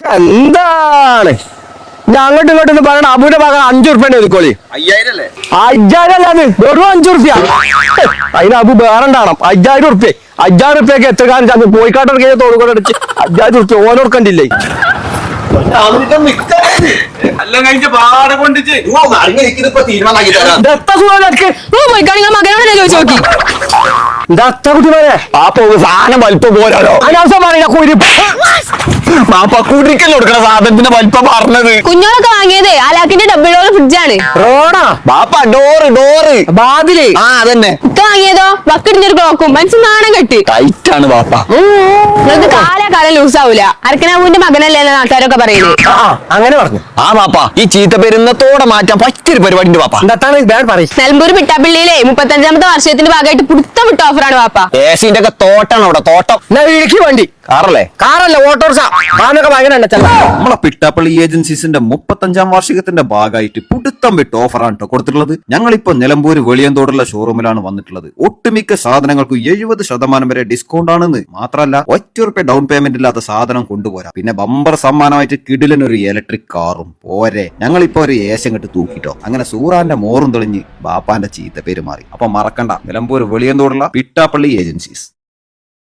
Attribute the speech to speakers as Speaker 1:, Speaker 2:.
Speaker 1: എന്താണ് അങ്ങോട്ടും ഇങ്ങോട്ടും പറയണ അബുവിന്റെ ഭാഗം 5 ഉറുപ്പ്യ ഒതുക്കോളി. 5000 അല്ലാന്ന് വെറും 5 ഉറുപ്പ്യ. അതിന് അബു വേറണ്ടാണം. 5000 ഉറുപ്പ്യ. 5000 ഉറുപ്പ്യക്ക് എത്ര കാലം പോയിക്കാട്ടൊക്കെ തോന്നുകൂടെ അടിച്ച് 5000 ഉറുപ്പ്യ ഓനോർക്കണ്ടില്ലേ? സാധനം വലിപ്പം പോരാലോ കുടിക്കല് കൊടുക്കണ സാധനത്തിന്റെ വലിപ്പം പറഞ്ഞത്.
Speaker 2: കുഞ്ഞോളൊക്കെ വാങ്ങിയത് ആലാക്കിന്റെ ഡബിളോട് ഫ്രിഡ്ജാണ്.
Speaker 1: റോഡാ ബാപ്പ ഡോറ് ബാതില്. ആ അതന്നെ
Speaker 2: വാങ്ങിയതോ ബക്കറ്റിന്റെ ഒരു ക്ലോക്കും മനസ്സിൽ നാണം കെട്ടി
Speaker 1: ടൈറ്റ് ആണ് ബാപ്പ.
Speaker 2: നിങ്ങൾക്ക് കാലം ലൂസ് ആവൂല. അരക്കനാബുവിന്റെ മകനല്ലേ നാട്ടുകാരൊക്കെ പറയുന്നത്.
Speaker 1: അങ്ങനെ പറഞ്ഞു. ആ ബാപ്പ ഈ ചീത്ത പെരുന്നത്തോടെ മാറ്റാൻ പറ്റിയൊരു പരിപാടിന്റെ ബാപ്പ.
Speaker 2: നിലമ്പൂർ പിട്ടാപ്പള്ളിയിലെ 35ാമത്തെ വർഷത്തിന്റെ ഭാഗമായിട്ട് പുടുത്തം വിട്ട ഓഫറാണ് ബാപ്പ.
Speaker 1: ഏസിന്റെ ഒക്കെ തോട്ടാണ് അവിടെ തോട്ടം. വണ്ടി കാറല്ല ഓട്ടോറിക്ഷ
Speaker 3: നമ്മളെ പിട്ടാപ്പള്ളി ഏജൻസീസിന്റെ 35ാം വാർഷികത്തിന്റെ ഭാഗമായിട്ട് പുടുത്തം വിട്ട് ഓഫറാണ് കേട്ടോ കൊടുത്തിട്ടുള്ളത്. ഞങ്ങളിപ്പോ നിലമ്പൂര് വെളിയന്തോടുള്ള ഷോറൂമിലാണ് വന്നിട്ടുള്ളത്. ഒട്ടുമിക്ക സാധനങ്ങൾക്ക് 70% വരെ ഡിസ്കൗണ്ട് ആണെന്ന് മാത്രമല്ല ₹1 ഡൗൺ പേയ്മെന്റ് ഇല്ലാത്ത സാധനം കൊണ്ടുപോരാ. പിന്നെ ബമ്പർ സമ്മാനമായിട്ട് കിടിലനൊരു ഇലക്ട്രിക് കാറും പോരെ. ഞങ്ങളിപ്പോ ഒരു ഏശം കെട്ട് തൂക്കിട്ടോ. അങ്ങനെ സൂറാന്റെ മോറും തെളിഞ്ഞ് ബാപ്പാന്റെ ചീത്ത പേര് മാറി. അപ്പൊ മറക്കണ്ട, നിലമ്പൂർ വെളിയന്തോടുള്ള പിട്ടാപ്പള്ളി ഏജൻസീസ്.